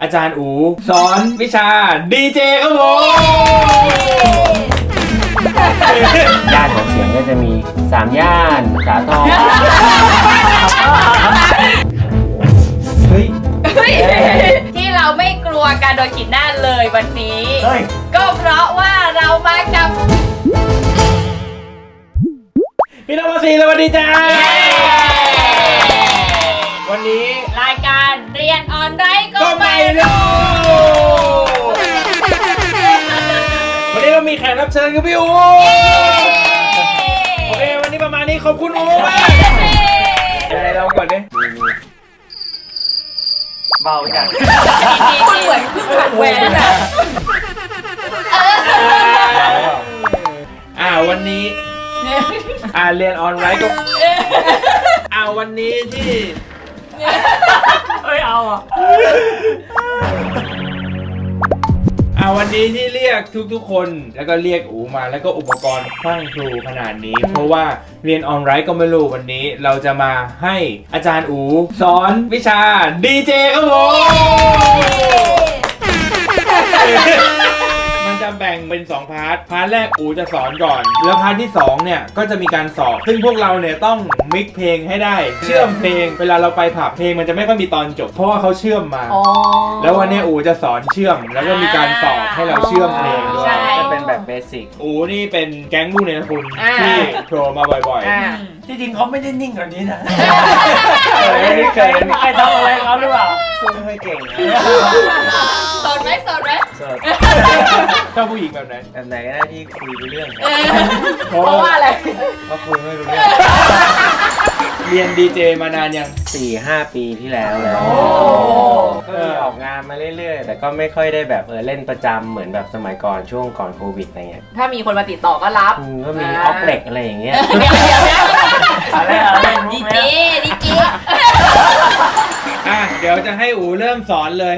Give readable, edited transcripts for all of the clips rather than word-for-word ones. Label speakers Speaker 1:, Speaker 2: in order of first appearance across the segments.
Speaker 1: อาจารย์อูสอนวิชาดีเจครับผม
Speaker 2: ย่านของเสียงก็จะมี3ย่านสาทร
Speaker 3: ที่เราไม่กลัวการโดนขีดหน้าเลยวันนี้ก็เพราะว่าเรามากับ
Speaker 1: พี่น้องสีสวัสดีจ้าวันนี้
Speaker 3: รายการเรียนออนไลน์ก็ไม่
Speaker 1: รู้วันนี้เรามีแขกรับเชิญคือพี่อูโอเควันนี้ประมาณนี้ขอบคุณอูมากอะไรเราก่อนดิ
Speaker 2: เบาจัง
Speaker 3: คุณเหมือนเพิ่งผ่านแหวนอ่ะ
Speaker 1: วันนี้เรียนออนไลน์ก็วันนี้ที่เอาวันนี้ที่เรียกทุกคนแล้วก็เรียกอูมาแล้วก็อุปกรณ์พรั่งพรูขนาดนี้เพราะว่าเรียนออนไลน์ก็ไม่รู้วันนี้เราจะมาให้อาจารย์อูสอนวิชาดีเจครับผมมันจะแบ่งเป็น2พาร์ทแรกอูจะสอนก่อนแล้วพาร์ทที่2เนี่ยก็จะมีการสอบซึ่งพวกเราเนี่ยต้องมิกเพลงให้ได้เชื่อมเพลงเวลาเราไปผับเพลงมันจะไม่ค่อยมีตอนจบเพราะว่าเขาเชื่อมมาแล้ววันนี้อูจะสอนเชื่อมแล้วก็มีการสอบให้เราเชื่อมเพลงด้วย
Speaker 2: จะเป็นแบบเบสิก
Speaker 1: อูนี่เป็นแก๊งลูกเนรคุณที่โผล่มาบ่อย
Speaker 2: ๆที่จริงเขาไม่ได้นิ่งกว่านี้นะเคยมีใครทำอะไรเขาหรือเปล่าไม่ค่อยเก่ง
Speaker 3: สอนไหมสด
Speaker 1: ชอบผู้หญิงแบบไหน
Speaker 2: ก็ได้ที่คุยรู้เรื่อง
Speaker 3: เพราะว่าอะไร
Speaker 2: เพราะคุยไม่รู้เรื่อง
Speaker 1: เรียนดีเจมานานยัง
Speaker 2: 4-5 ปีที่แล้วก็มีออกงานมาเรื่อยๆแต่ก็ไม่ค่อยได้แบบเล่นประจำเหมือนแบบสมัยก่อนช่วงก่อนโควิดอะไรเงี้ย
Speaker 3: ถ้ามีคนมาติดต่อก็รับ
Speaker 2: ก็มีออกเล็กอะไรอย่างเงี้ย
Speaker 3: ดีเจ
Speaker 1: เดี๋ยวจะให้อูเริ่มสอนเลย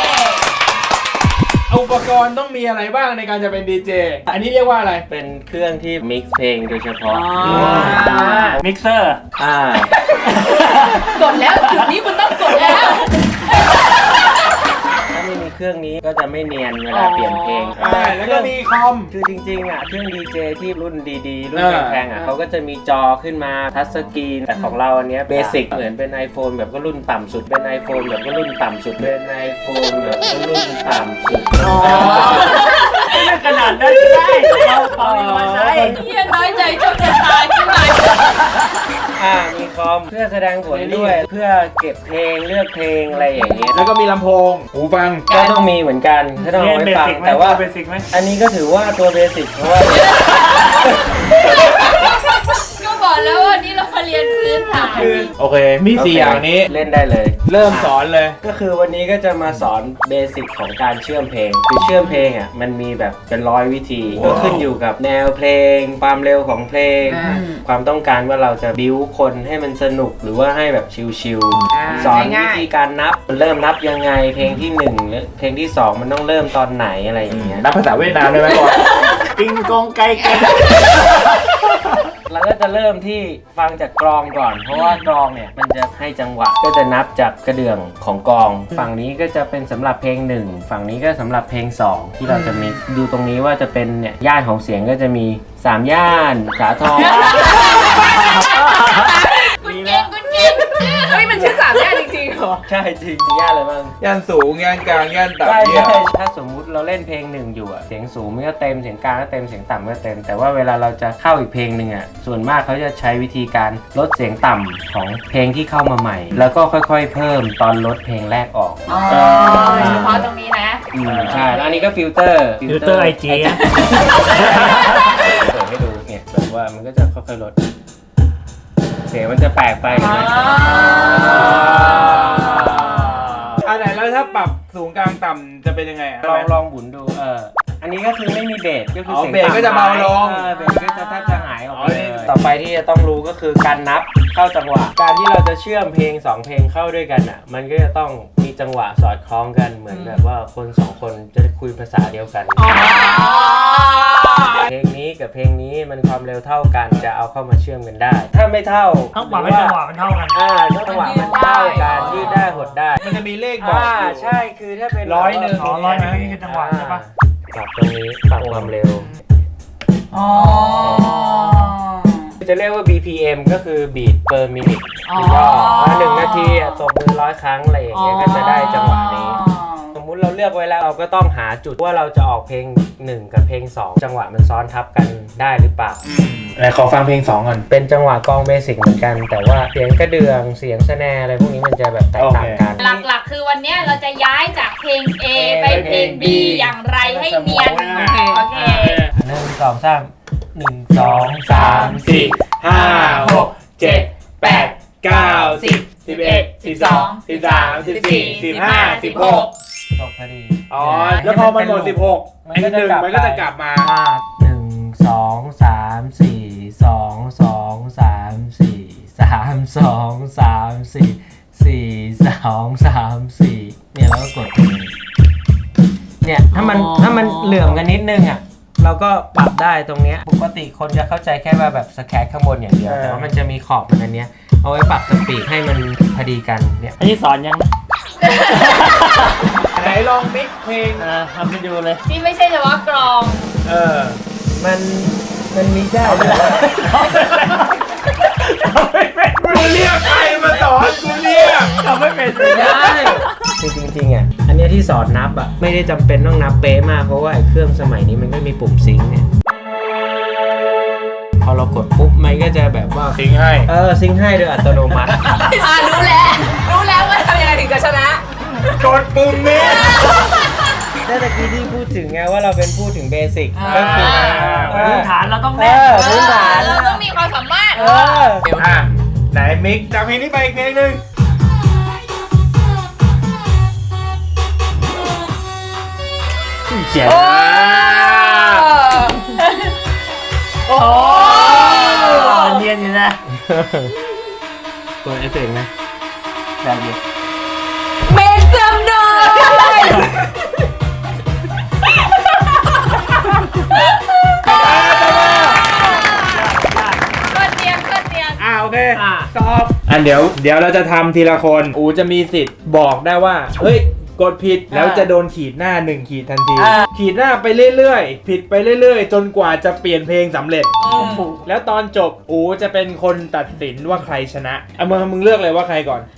Speaker 1: อุปกรณ์ต้องมีอะไรบ้างในการจะเป็นดีเจอันนี้เรียกว่าอะไร
Speaker 2: เป็นเครื่องที่มิกซ์เพลงโดยเฉพาะ
Speaker 1: มิกเซอร์
Speaker 3: กดแล้วจุดนี้คุณต้องกดแล้ว
Speaker 2: ถ้าไม่มีเครื่องนี้ก็จะไม่เนียนเวลาเปลี่ยนเพลง
Speaker 1: แล้วก็มีคอม
Speaker 2: คือจริงๆเครื่องดีเจที่รุ่นดีๆรุ่นแพงๆเขาก็จะมีจอขึ้นมาทัชสกรีนแต่ของเราอันนี้เบสิกเหมือนเป็น iPhone แบบก็รุ่นต่ำสุดเป็น iPhone แบบก็รุ่นต่ำสุดเป็น iPhone แบบก็รุ่นต่ำสุด
Speaker 1: ไม่ขนาดนั้นได้เราไม่ใช่
Speaker 3: เฮียน้อยใจโชคชะตาขึ้นมา
Speaker 2: มีคอมเพื่อแสดงผลด้วยเพื่อเก็บเพลงเลือกเพลงอะไรอย่างเงี้ย
Speaker 1: แล้วก็มีลำโพงหูฟัง
Speaker 2: ก็ต้องมีเหมือนกันก็ต้องเอาไว้ฟังแต่ว่าอันนี้ก็ถือว่าตัวเบสิกเพราะว่า
Speaker 3: ก็บอกแล้วว่านี่เรามาเรียนพื้นฐาน
Speaker 1: โอเคมี4อย่างนี้
Speaker 2: เล่นได้เลย
Speaker 1: เริ่มสอนเลย
Speaker 2: ก็คือวันนี้ก็จะมาสอนเบสิกของการเชื่อมเพลงคือเชื่อมเพลงมันมีแบบเป็น100 วิธีก็ขึ้นอยู่กับแนวเพลงความเร็วของเพลงความต้องการว่าเราจะบิ้วคนให้มันสนุกหรือว่าให้แบบชิลๆสอนวิธีการนับมันเริ่มนับยังไงเพลงที่1หรือเพลงที่2มันต้องเริ่มตอนไหนอะไรอย่างเงี้ย
Speaker 1: นับภาษาเวียดนามได้ไหมก่อนปิงกองไก่กัน
Speaker 2: เราก็จะเริ่มที่ฟังจากกลองก่อนเพราะว่ากลองเนี่ยมันจะให้จังหวะก็จะนับจากกระเดื่องของกลองฝั่งนี้ก็จะเป็นสำหรับเพลง1ฝั่งนี้ก็สำหรับเพลง2ที่เราจะมีดูตรงนี้ว่าจะเป็นเนี่ยย่านของเสียงก็จะมี3ย่านสาทร
Speaker 3: คุณเก่งเฮ้ยมันชื่อ3ย่านจริงๆเหรอ
Speaker 2: ใช่จริงย่านอะไรบ้าง
Speaker 1: ย่านสูงย่านกลางย่านต่ำ
Speaker 2: ใช่ถ้าสมมุติเราเล่นเพลง1อยู่เสียงสูงมันก็เต็มเสียงกลางก็เต็มเสียงต่ำก็เต็มแต่ว่าเวลาเราจะเข้าอีกเพลงหนึ่งส่วนมากเขาจะใช้วิธีการลดเสียงต่ำของเพลงที่เข้ามาใหม่แล้วก็ค่อยๆเพิ่มตอนลดเพลงแรกออก
Speaker 3: เฉพาะตรงนี้นะ
Speaker 2: ใช่แล้วอันนี้ก็ฟิลเตอร์
Speaker 1: ไอจี
Speaker 2: เปิดให้ดูเนี่ยแบบว่ามันก็จะค่อยๆลดเสียงมันจะแปลกไป
Speaker 1: อันไหนแล้วถ้าปรับสูงกลางต่ำจะเป็นยังไง
Speaker 2: ลองหมุนดูอันนี้ก็คือไม่มีเบสก็คือ
Speaker 1: เสียงเบสก็จะเบาลง
Speaker 2: เบสก็จะแทบจะหายออกไปต่อไปที่จะต้องรู้ก็คือการนับเข้าจังหวะการที่เราจะเชื่อมเพลง2เพลงเข้าด้วยกันมันก็จะต้องมีจังหวะสอดคล้องกันเหมือนแบบว่าคน2คนจะคุยภาษาเดียวกันเพลงนี้กับเพลงนี้มันความเร็วเท่ากันจะเอาเข้ามาเชื่อมกันได้ ถ้าไม่เท่า
Speaker 4: ต้องปรับให้จังหวะมันเท่ากัน
Speaker 2: จังหวะมันเท่ากันยืดได้หดได้
Speaker 1: มันจะมีเลขบอกอยู่
Speaker 2: ใช่คือถ้าเป็น
Speaker 1: ร้อยหนึ่ง
Speaker 4: 100นี่คือจังหวะใช่ปะ
Speaker 2: ปรับตรงนี้ปรับความเร็ว
Speaker 3: อ๋อ
Speaker 2: จะเรียกว่า BPM ก็คือ beat per minute
Speaker 3: อ๋อ
Speaker 2: หนึ่งนาทีตบมือ100 ครั้งอะไรอย่างเงี้ยก็จะได้จังหวะนี้ สมมุติเราเลือกไว้แล้วเราก็ต้องหาจุดว่าเราจะออกเพลง1กับเพลง2จังหวะมันซ้อนทับกันได้หรือเปล่า
Speaker 1: ไหนขอฟังเพลง2ก่อน
Speaker 2: เป็นจังหวะกลองเบสิกเหมือนกัน แต่ว่าเสียงกระเดื่องเสียงสแนร์อะไรพวกนี้มันจะแบบแตกต่างกัน
Speaker 3: หลักๆคือวันเนี้ยเราจะย้ายจากเพลง A ไปเพลง B อย่างไรให้เนียน โอเค
Speaker 2: 1 2 3 1 2 3 4
Speaker 1: 5 6 7 8 9 10 11 12 13 14 15 16
Speaker 2: จบพอดี
Speaker 1: อ๋อ แล้วพอมันหมด16ไอ้หนึ่งมันก็จะกลับมา
Speaker 2: 1 2 3 4 2 2 3 4 3 2 3 4 4 2 3 4เนี่ยเราก็กดเนี่ยถ้ามันเหลื่อมกันนิดนึงอ่ะเราก็ปรับได้ตรงเนี้ยปกติคนจะเข้าใจแค่ว่าแบบสแครข้างบนอย่างเดียวแต่ว่ามันจะมีขอบมันอันเนี้ยเอาไว้ปรับสปีดให้มันพอดีกันเนี่ย
Speaker 4: อันนี้สอนยัง
Speaker 1: ไหนลองมิกเพลง
Speaker 4: ทำไปดูเลย
Speaker 3: ที่ไม่ใช่เฉพาะกรอง
Speaker 2: มันมีได้เลย
Speaker 1: กูเรียกใครมาสอนกูเรียก
Speaker 4: ทำไม่เป็น
Speaker 2: ได้คือจริงๆอ่ะอันเนี้ยที่สอนนับอ่ะไม่ได้จำเป็นต้องนับเป๊ะมากเพราะว่าไอ้เครื่องสมัยนี้มันก็มีปุ่มซิงค์เนี่ยพอเรากดปุ๊บมันก็จะแบบว่า
Speaker 1: ทิ้งให้
Speaker 2: ซิงค์ให้โดยอัตโนมัติ
Speaker 3: รู้แล้วว่าทำยังไงถึงจะชนะ
Speaker 1: กดปุ่มนี้
Speaker 2: แต่ตะกี้ที่พูดถึงไงว่าเราเป็นพูดถึงเบสิกก็คือ
Speaker 4: พื้นฐานเราต้องแน่น
Speaker 2: พื้นฐาน
Speaker 3: เราต้องมีความสามารถ
Speaker 1: อ่ะไหนมิกจากเพลงนี้ไปอีกเพลงหนึ่ง
Speaker 4: เขียน
Speaker 3: โอ้
Speaker 4: เนียนอยู่นะ
Speaker 2: เปิดเอฟเฟกต์นะ
Speaker 4: แบบนี้
Speaker 3: เมกซัมนอยก็เตรียม
Speaker 1: โอเคสอบเดี๋ยวเราจะทำทีละคนอูจะมีสิทธิ์บอกได้ว่าเฮ้ยกดผิดแล้วจะโดนขีดหน้า1ขีดทันทีขีดหน้าไปเรื่อยๆผิดไปเรื่อยๆจนกว่าจะเปลี่ยนเพลงสำเร็จแล้วตอนจบอูจะเป็นคนตัดสินว่าใครชนะเอามึงเลือกเลยว่าใครก่อน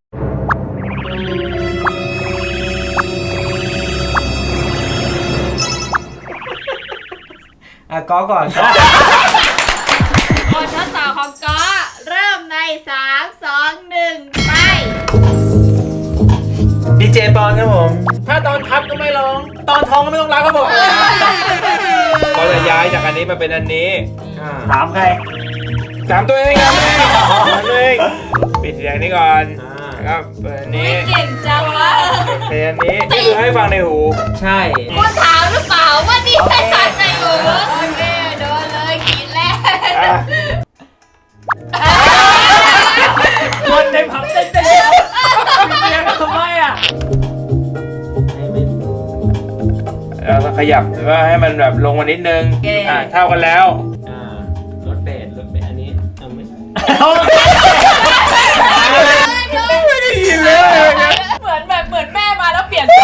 Speaker 2: ก็ก่อน
Speaker 3: บททดสอบของก็เริ่มใน 3 2 1 ไป
Speaker 2: ดีเจปอนครับผม
Speaker 1: ถ้าตอนทับก็ไม่ร้องตอนท้องก็ไม่ต้องรักครับผมก็จะย้ายจากอันนี้มาเป็นอันนี้
Speaker 4: ถามใคร
Speaker 1: ถามตัวเองครับตัวเองปิดเสียงนี้ก่อนแล้วก็เปิดอันนี้
Speaker 3: เก่งจังวะ
Speaker 1: เพลงอันนี้นี่คือให้ฟังในหู
Speaker 2: ใช่
Speaker 3: คุณถามหรือเปล่าว่านี่ไม่ทันในหูโอเคโดนเลยขีดแรก
Speaker 4: คนในผับเต้นเดียวเรียนทำไมอ่ะ
Speaker 1: แล้วก็ขยับหรือว่าให้มันแบบลงมานิดนึงเท่ากันแล้ว
Speaker 2: รถเบสอันนี้ไม่
Speaker 1: ไม่ได้ยินเลย
Speaker 3: เหมือนแม่มาแล้วเปลี่ยน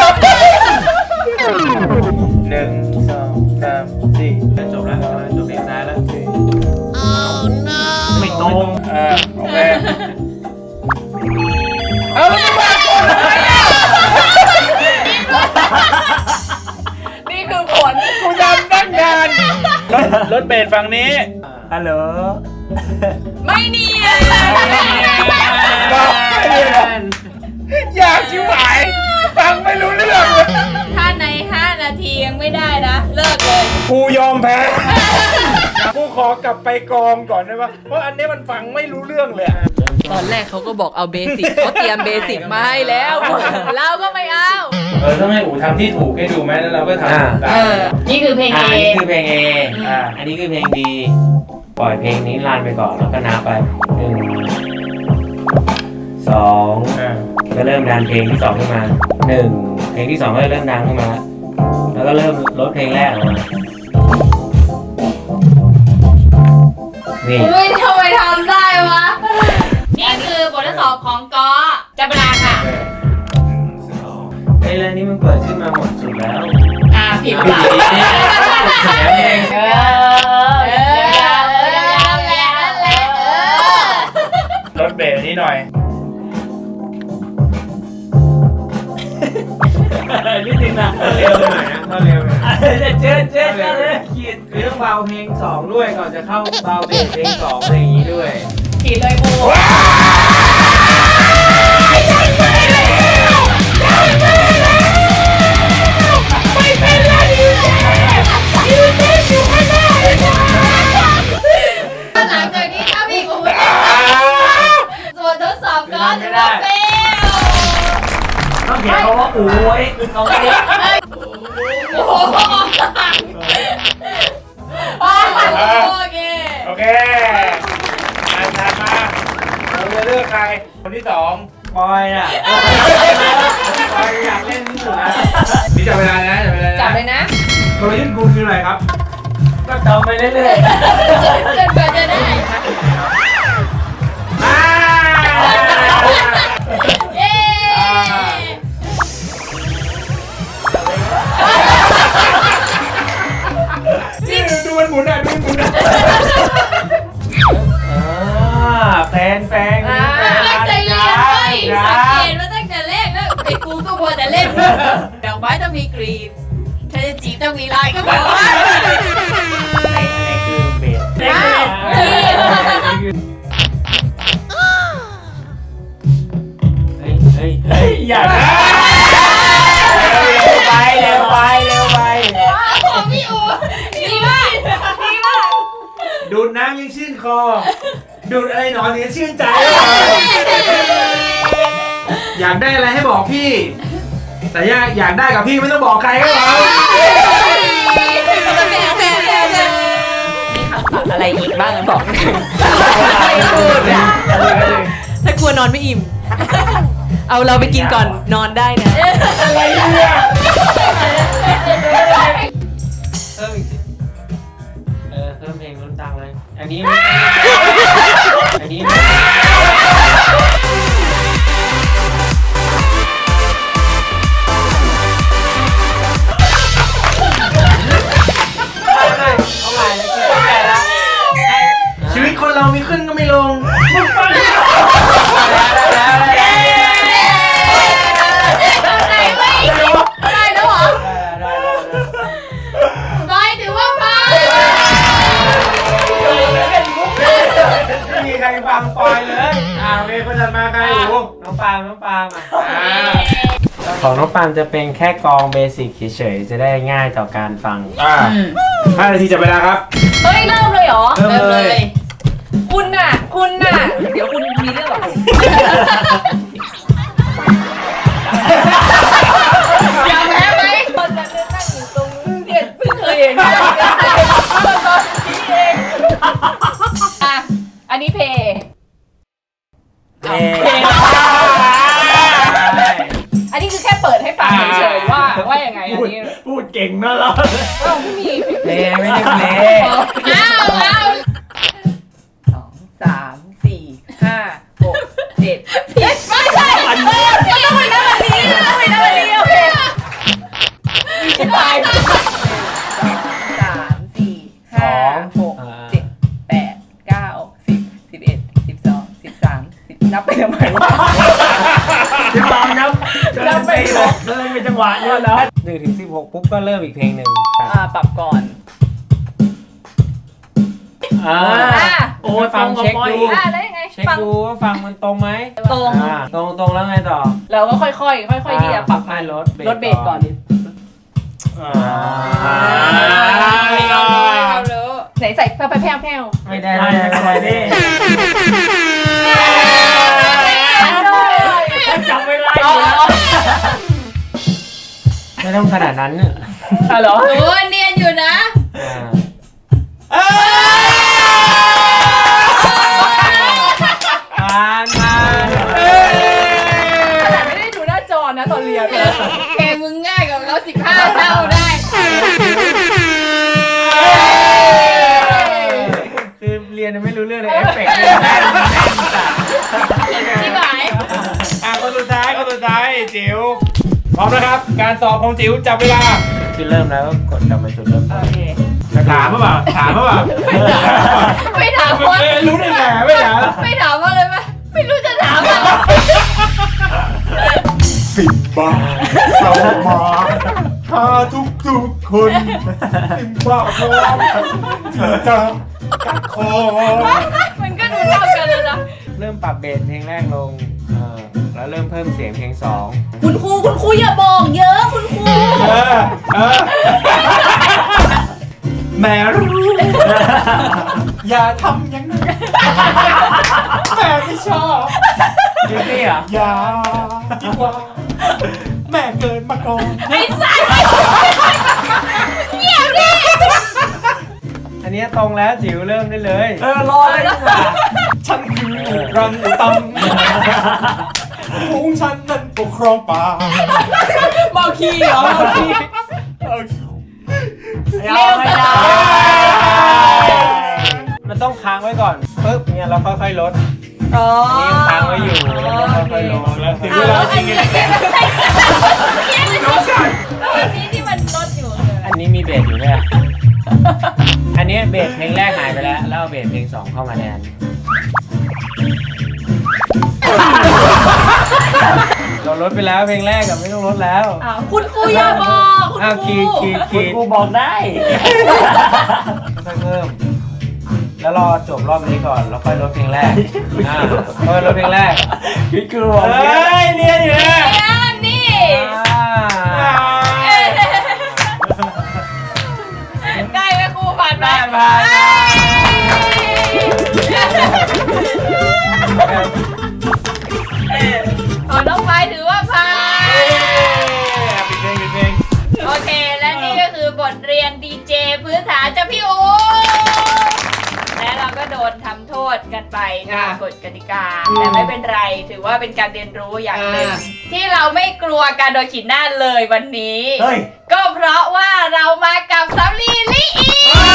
Speaker 1: 1 2 3 4
Speaker 2: จบแล้วจบเพลงซ้ายแล้ว
Speaker 4: ไม่ตรง
Speaker 1: โอเคเอาแล้วมึงมาก่อนทำไมอ่ะ
Speaker 3: นี่คือผล
Speaker 1: กูจำตั้งนานรถเบสฝั่งนี้
Speaker 4: ฮัลโหล
Speaker 3: ไม่เนียน
Speaker 1: บอกไม่เนียน อยากชิวหายฟังไม่รู้เรื่อง
Speaker 3: ถ้าใน 5 นาทียังไม่ได้นะ เลิกเลย
Speaker 1: กูยอมแพ้กูขอกลับไปกองก่อนได้ปะเพราะอันนี้มันฟังไม่รู้เรื่องเลยอะ
Speaker 3: ตอนแรกเขาก็บอกเอาเบสิกเขาเตรียมเบสิกมาให้แล้ว เราก็ไม่เอา
Speaker 1: ถ้าไม่อู๋ทำที่ถูกให้ดูไหมแล้วเราก็ทำได้
Speaker 3: นี่คือเพลง
Speaker 2: อั
Speaker 3: A
Speaker 2: นนี้คือเพลง A อันนี้คือเพลง B ปล่อยเพลงนี้รันไปก่อนแล้วก็นับไป1 2ก็เริ่มดันเพลงที่2ขึ้นมา1เพลงที่2ก็เริ่มดังขึ้นมาแล้วก็เริ่มลดเพลงแรกออกมานี่
Speaker 3: อุ้ยทำไมทำได้วะ นี่คือบททดสอบของกอจับเวลาค่ะ
Speaker 2: ไอ้เรื่องนี้มันเปิดขึ้นมาหมดสุดแล้ว
Speaker 3: ผิดเปล่า
Speaker 2: แถมเอง
Speaker 1: รถเบรกนี่หน่อย
Speaker 4: นิดนึงนะ
Speaker 1: เร็วไปหน่อยนะถ้าเร็วไปหน่อย
Speaker 4: เจ๊เลยขีด
Speaker 2: คือต้องเบาเพลง2ด้วยก่อนจะเข้าเบาเบสเพลง2อะไรอย่างนี้ด้วย
Speaker 3: ผิดเลยบู หลังจากนี้ถ้าพี่กูไม่ได้ส่วนทดสอบก็ถือว่าเฟล
Speaker 4: ต้องเขียนคำว่าโอ้ยตรงนี้
Speaker 3: โอ้โหโอเค
Speaker 1: โอเคอ่านตามมาเราจะเลือกใคร คนที่สอง
Speaker 2: ปอยอ่ะปอยอยากเล่นที่สุดนะ
Speaker 1: นี่จับเวลานะจับเวลานะ
Speaker 3: จับเลยนะ
Speaker 1: กลยุทธ์คุณคืออะไรครับ
Speaker 2: ก็จำไปเรื่อย
Speaker 3: จนกว่าจะได้
Speaker 1: อ่า
Speaker 3: เย้
Speaker 1: นี่ดูมันหมุนอ่ะดูมันหมุนอ่ะ
Speaker 2: ๆแฟน
Speaker 3: ตั้งใจเรียนเลยสังเกตว่าตั้งแต่แรกแล้วไอ้กูก็มัวแต่เล่นดอกไม้ต้องมีกรีบถ้าจะจีบต้องมีลายก็บอกว่า
Speaker 2: นี่คือเบส เฮ้ยอย่านะเร็วไป
Speaker 3: ของพี่อูดีมากดีมาก
Speaker 1: ดูดน้ำยังชื่นคอ ดูดอะไรหนอนยังชื่นใจ อยากได้อะไรให้บอกพี่ แต่อยากได้กับพี่ไม่ต้องบอกใครก็พอ
Speaker 5: อะไรอีกบ้างบอกไม่พูดอะถ้ากลัวนอนไม่อิ่ม เอาเราไปกินก่อนนอนได้นะ
Speaker 1: อะไรเนี่ย
Speaker 2: เพิ่มอีกเพิ่มเพลงลุ้นตังเลย อันนี้ไม่อันนี้ไม่เอาใหม่เลยคือเข้าใจละ
Speaker 1: ชีวิตคนเรามีขึ้นก็ไม่ลง
Speaker 3: ได้แล้วเหรอไปถือว่าผ่าน
Speaker 2: ไม่มีใครฟังปอยเลย
Speaker 1: โอเคคนถัดมาใครอู
Speaker 2: น้องปาล์มอ่ะของน้องปาล์มจะเป็นแค่กองเบสิกเฉยๆจะได้ง่ายต่อการฟัง
Speaker 1: 5 นาทีจับเวลาครับ
Speaker 5: เฮ้ยเริ่มเลยเหรอ
Speaker 2: เริ่มเลย
Speaker 5: คุณน่ะ เดี๋ยวคุณมีเรื่องกับผม
Speaker 3: อยากแพ้ไหม
Speaker 5: ตอนนั้นนั่งอยู่ตรงเนี่ยเพิ่งเคยเห็นตอนนี้เอง
Speaker 3: อ่ะอันนี้เพย์ อันนี้คือแค่เปิดให้ฟังเฉยๆว่ายังไงอันนี้
Speaker 4: พูดเก่งนะเรา
Speaker 3: เราไม่มี
Speaker 2: เพลงไม่ได้เพลง
Speaker 3: อ้าว
Speaker 5: 2 3 4 5 6 7
Speaker 3: ไม่ใช่ต้องไปนั่งวันนี้ต้องไปนั่งวันนี้โอเค
Speaker 5: 3 4 5 6 7 8 9 10 11 12 13 10นับไปทำไมวะ
Speaker 4: ที่ปาล์มครับเดินไปบอกเดินไปจังหวะเนี้ยแล้ว
Speaker 2: 1 ถึง 16ปุ๊บก็เริ่มอีกเพลงหนึ่ง
Speaker 5: ปรับก่อน
Speaker 4: โอ้ฟังเช็คดู
Speaker 5: แล้วยังไง
Speaker 2: เช็ค
Speaker 5: ฟัง
Speaker 2: ดูว่าฟังมันตรงไหม
Speaker 5: ตรง
Speaker 2: ตรงแล้วไงต่อ
Speaker 5: เราก็ค่อยๆที่จะปรับ
Speaker 2: ให้ลด
Speaker 5: ลดเบสก่อน
Speaker 3: เรารู้
Speaker 5: ไหนใส่แผ่ว
Speaker 2: ไม่ได้นี่
Speaker 4: จำไม่ได้อยู่แล้ว
Speaker 2: ไม่ต้องขนาดนั้นเนี่ย
Speaker 5: เหรอ
Speaker 3: โอ้เนียนอยู่นะ
Speaker 2: ผ่าน
Speaker 5: ขนาดไม่ได้ดูหน้าจอนะตอนเรียน
Speaker 3: เพลงมึงง่ายกว่าเรา15 เท่าได้
Speaker 2: คือเรียนไม่รู้
Speaker 1: นะครับ การสอบของจิ๋วจับเวลา
Speaker 2: คือเริ่มแล้วก็กดกลับมาจุดเริ่มต้น
Speaker 3: โอเค
Speaker 1: ถามเปล่าถามเปล่า
Speaker 3: ไม่ถามว่า
Speaker 1: รู้ได้ไงไม่ถาม
Speaker 3: ไม่ถามว่าเลยไหมไม่รู้จะถามอะไร
Speaker 1: สิบบาทเข้ามาพาทุกคนสิบบาทพร้อมที่จะกัดคอ
Speaker 3: มันก็ดูเท่ากันเลยนะ
Speaker 2: เริ่มปรับเบสเพลงแรกลงแล้วเริ่มเพิ่มเสียงเพลง 2
Speaker 3: คุณครูอย่าบอกเยอะคุณครู
Speaker 1: แม่รู้อย่าทำอย่างนั้นแม่ไม่ชอบ
Speaker 2: จริงเหรอ
Speaker 1: อย่าดีกว่าแม่เกินมาก่อน
Speaker 3: ไอ้สัสเงียบดิ
Speaker 2: อันนี้ตรงแล้วจิ๋วเริ่มได้เลย
Speaker 4: รอเลยดีกว่า
Speaker 1: ฉันคือรังอุตำฝูงฉันนั้นปกครองป่า
Speaker 5: เมาคีเหรอเมาคี
Speaker 4: เร็วไม่ได้
Speaker 2: มันต้องค้างไว้ก่อนปึ๊บเนี่ยเราค่อยๆลด
Speaker 3: อ๋อ
Speaker 2: นี่ยังค้างไว้อยู่แล้วก็ค่อยๆลง
Speaker 1: แล้วถึง
Speaker 3: อ้า
Speaker 1: เว
Speaker 3: วแล้
Speaker 1: ลาว จ
Speaker 3: อั
Speaker 1: ริ
Speaker 3: น
Speaker 1: ง
Speaker 3: นี้
Speaker 1: ๆ
Speaker 3: แล้วอันนี้ที่มันลดอยู่เลย
Speaker 2: อันนี้มีเบสอยู่ด้วยอะอันนี้เบสเพลงแรกหายไปแล้วแล้วเอาเบสเพลง 2 เข้ามาแทนเราลดไปแล้วเพลงแรกกับไม่ต้องลดแล้ว
Speaker 3: อ้าวคุณครูอย่าบอกคุณ
Speaker 2: อ้าว
Speaker 3: ครู
Speaker 2: ขีด
Speaker 4: กูบอกได้
Speaker 2: ค่อยๆเพิ่มแล้วรอจบรอบนี้ก่อนแล้วค่อยลดเพลงแรกค่อยลดเพลงแรก
Speaker 4: พี่กูบอก
Speaker 1: เฮ้ยเรียนอยู่นะ
Speaker 3: อันนี้ได้ไหมครูผ่านไหม
Speaker 2: ผ่าน
Speaker 3: ขอน้องไฟถือว่าผ่าน
Speaker 1: ปิดเพลง
Speaker 3: โอเค และนี่ก็คือบทเรียนดีเจพื้นฐานจากพี่โอและเราก็โดนทำโทษกันไปตามกฎกติกา แต่ไม่เป็นไร ถือว่าเป็นการเรียนรู้อย่างหนึ่งที่เราไม่กลัวการโดนขีดหน้าเลยวันนี้
Speaker 4: เฮ้ย
Speaker 3: ก็เพราะว่าเรามากับสำลีลิอี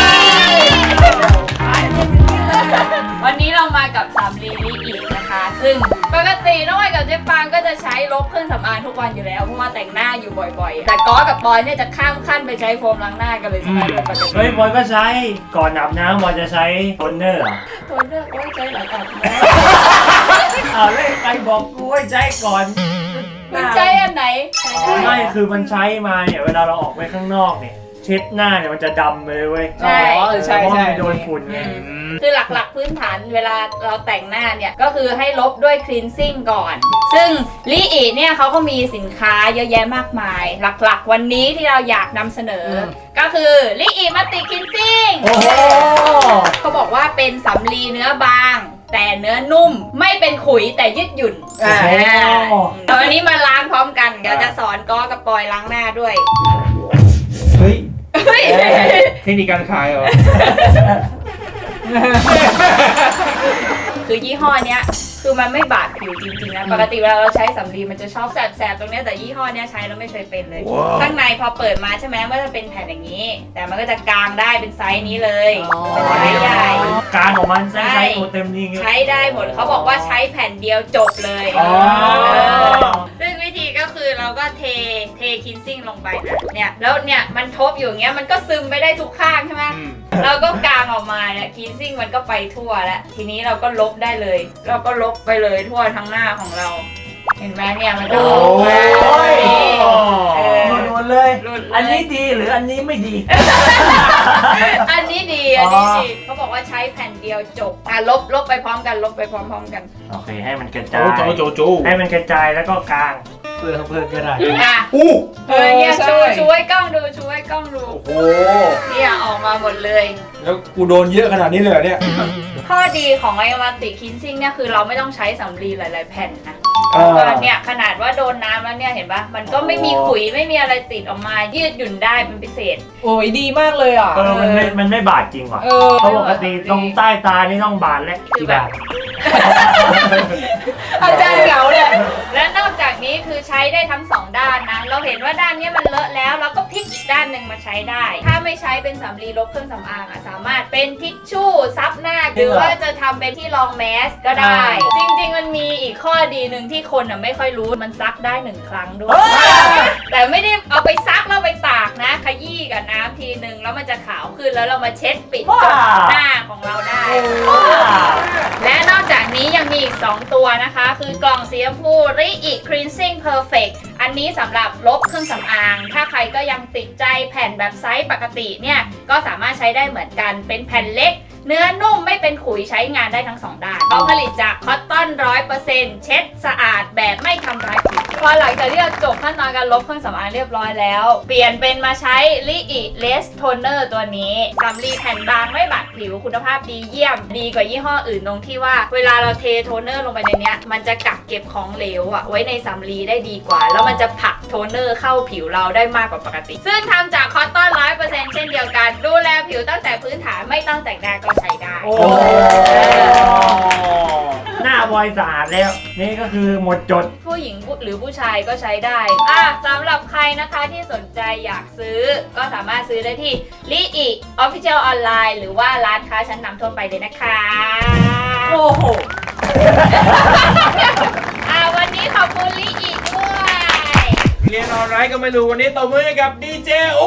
Speaker 3: วันนี้เรามากับสำลีลิอีนะคะ ซึ่งปกติน้องไอกับเจ๊ปางก็จะใช้ลบเครื่องสำอางทุกวันอยู่แล้วเพราะว่าแต่งหน้าอยู่บ่อยๆ แต่ก้อกับปอยเนี่ยจะข้ามขั้นไปใช้โฟมล้างหน้ากันเลยใช่ไหมโดยปกติ
Speaker 4: เฮ้ยบอยก็ใช้ก่อนอาบน้ำบอยจะใช้โทนเนอร์เหรอ
Speaker 3: ตัวเลือกไว้ใช้หลายแบบ
Speaker 4: อ้าวเลยใครบอกกูให้ใช้ก่อน
Speaker 3: คุณใช้อันไหน
Speaker 4: ไม่คือมันใช้มาเนี่ยเวลาเราออกไปข้างนอกเนี่ยเช็ดหน้าเนี่ยมันจะดำไปเลยเว้ย
Speaker 3: ใช่
Speaker 5: ใช่
Speaker 4: เพราะ
Speaker 5: ใช่
Speaker 4: มันโดนฝุ่นไง
Speaker 3: คือหลักๆพื้นฐานเวลาเราแต่งหน้าเนี่ยก็คือให้ลบด้วยคลีนซิ่งก่อน ซึ่งลิอีเนี่ยเขาก็มีสินค้าเยอะแยะมากมาย หลักๆ วันนี้ที่เราอยากนำเสนออก็คือลิอีมัลติคลีนซิ่ง
Speaker 4: โอ้โห
Speaker 3: เขาบอกว่าเป็นสำลีเนื้อบาง แต่เนื้อนุ่มไม่เป็นขุยแต่ยืดหยุ่นตอนนี้มาล้างพร้อมกันเดี๋ยวจะสอนก้อกับปอยล้างหน้าด้วย
Speaker 1: เฮ้ย
Speaker 3: เฮ้ย
Speaker 1: เทคนิคการขายเหรอ
Speaker 3: คือยี่ห้อเนี้ยคือมันไม่บาดผิวจริงๆนะปกติเวลาเราใช้สำลีมันจะชอบแสบๆตรงเนี้ยแต่ยี่ห้อเนี้ยใช้แล้วไม่เคยเป็นเลย ข้างในพอเปิดมาใช่ไหมมันก็จะเป็นแผ่นอย่างนี้ แต่มันก็จะกางได้เป็นไซส์นี้เลยเป็นไซส์ใหญ่
Speaker 4: การของมันใช้ตัวเต็มนี่ไง
Speaker 3: ใช้ได้หมดเขาบอกว่าใช้แผ่นเดียวจบเลย
Speaker 4: อ๋อ
Speaker 3: ซึ่งวิธีก็คือเราก็เทคินซิ่งลงไปนะเนี่ยแล้วเนี่ยมันทบอยู่อย่างเงี้ยมันก็ซึมไปได้ทุกข้างใช่ไหมเราก็กางออกมาเนี่ยคินซิ่งมันก็ไปทั่วแล้วทีนี้เราก็ลบได้เลย เราก็ลบไปเลยทั่วทั้งหน้าของเรา เห็นไหมเนี่ยมันจะลบไป
Speaker 4: หลุดหมดเลย
Speaker 3: หลุดเลย
Speaker 4: อันนี้ดีหรืออันนี้ไม่ดี
Speaker 3: อันนี้ดีอันนี้ดีเขาบอกว่าใช้แผ่นเดียวจบลบไปพร้อมกันลบไปพร้อมๆกัน
Speaker 4: โอเคให้มันกระ
Speaker 1: โจ
Speaker 4: จาย
Speaker 1: โจ
Speaker 4: ให้มันกระจายแล้วก็กลางเพื่อก็ได้
Speaker 3: อ่ะ
Speaker 1: อู้
Speaker 3: เนี่ย
Speaker 5: ใช่
Speaker 3: ชูให้กล้องดูชูให้กล้องดู
Speaker 1: โอ้โห
Speaker 3: เนี่ยออกมาหมดเลย
Speaker 1: แล้วกูโดนเยอะขนาดนี้เลยเหรอเนี่ย
Speaker 3: ข้อดีของไอวัติคินซิ่งเนี่ยคือเราไม่ต้องใช้สำลีหลายๆแผ่นนะ
Speaker 1: อ่า
Speaker 3: ก็เนี่ยขนาดว่าโดนน้ำแล้วเนี่ยเห็นปะมันก็ไม่มีขุยไม่มีอะไรติดออกมายืดหยุ่นได้เป็นพิเศษ
Speaker 5: โอ้ยดีมากเลยอ่ะ
Speaker 4: มันไม่บาดจริงว่ะ
Speaker 5: เออ
Speaker 4: เพราะปกติตรงใต้ตานี่ต้องบาดแล้ว
Speaker 3: คือแบบ
Speaker 5: อาจารย์เหงาเลย
Speaker 3: และนอกจากนี้คือใช้ได้ทั้งสองด้านนะ เราเห็นว่าด้านเนี้ยมันเลอะแล้วเราก็พลิกอีกด้านหนึ่งมาใช้ได้ ถ้าไม่ใช้เป็นสำลีลบเครื่องสำอางสามารถเป็นทิชชู่ซับหน้าหรือว่าจะทำเป็นที่รองแมสก็ได้ จริงๆมันมีอีกข้อดีหนึ่งที่คนไม่ค่อยรู้มันซักได้1 ครั้งด้วย แต่ไม่ได้เอาไปซักแล้วไปตากนะขยี้กับน้ำทีนึงแล้วมันจะขาวขึ้นแล้วเรามาเช็ดปิดจบหน้าของเราได้ และนอกจากนี้ยังมีอีก2ตัวนะคะ คือกล่องสีชมพู Ri'i Cleansing Perfect อันนี้สำหรับลบเครื่องสำอาง ถ้าใครก็ยังติดใจแผ่นแบบไซส์ปกติเนี่ยก็สามารถใช้ได้เหมือนกันเป็นแผ่นเล็ก เนื้อนุ่มไม่เป็นขุยใช้งานได้ทั้ง2 ด้านเขาผลิตจากคอตตอน 100% เช็ดสะอาดแบบไม่ทำร้ายผิวพอหลังจากที่เราจบขั้นตอนการลบเครื่องสำอางเรียบร้อยแล้ว เปลี่ยนเป็นมาใช้ Ri'i Lash Toner ตัวนี้สำลีแผ่นบางไม่บาดผิวคุณภาพดีเยี่ยม ดีกว่ายี่ห้ออื่นตรงที่ว่าเวลาเราเทโทนเนอร์ลงไปในเนี้ยมันจะกักเก็บของเหลวไว้ในสำลีได้ดีกว่า แล้วมันจะผลักโทนเนอร์เข้าผิวเราได้มากกว่าปกติ ซึ่งทำจากคอตตอน 100% เช่นเดียวกันดูแลผิวตั้งแต่พื้นฐานไม่ต้องแต่งหน้าก็ใช้ได้
Speaker 4: โอ้หน้าบอยสะอาดแล้ว นี่ก็คือหมดจด
Speaker 3: ผู้หญิงหรือผู้ชายก็ใช้ได้สำหรับใครนะคะที่สนใจอยากซื้อก็สามารถซื้อได้ที่ Ri'i Official Online หรือว่าร้านค้าชั้นนำทั่วไปเลยนะคะ
Speaker 5: โอ้โห
Speaker 3: วันนี้ขอบคุณRi'iด้วย
Speaker 1: เรียนออนไลน์ก็ไม่รู้วันนี้ตบมือให้กับดีเจอู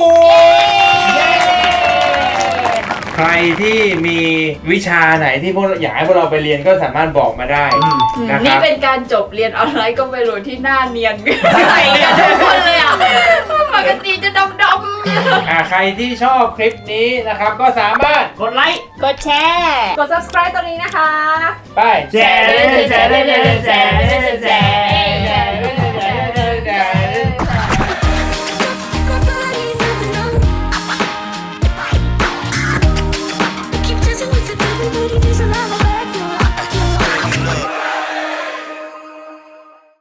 Speaker 1: ใครที่มีวิชาไหนที่พวกอยากให้พวกเราไปเรียนก็สามารถบอกมาได้นะค
Speaker 3: นี่
Speaker 1: รับ
Speaker 3: เป็นการจบเรียนออนไลน์ก็ไม่รู้ที่หน้าเนียนใส่กันทุกคนเลยอ่ะปกติจะดำ
Speaker 1: ใครที่ชอบคลิปนี้นะครับก็สามารถ
Speaker 4: กดไลค์
Speaker 3: ๆกดแชร์
Speaker 5: กด subscribe ตัวนี้นะคะ
Speaker 1: ไป
Speaker 4: แชร์
Speaker 3: แชร์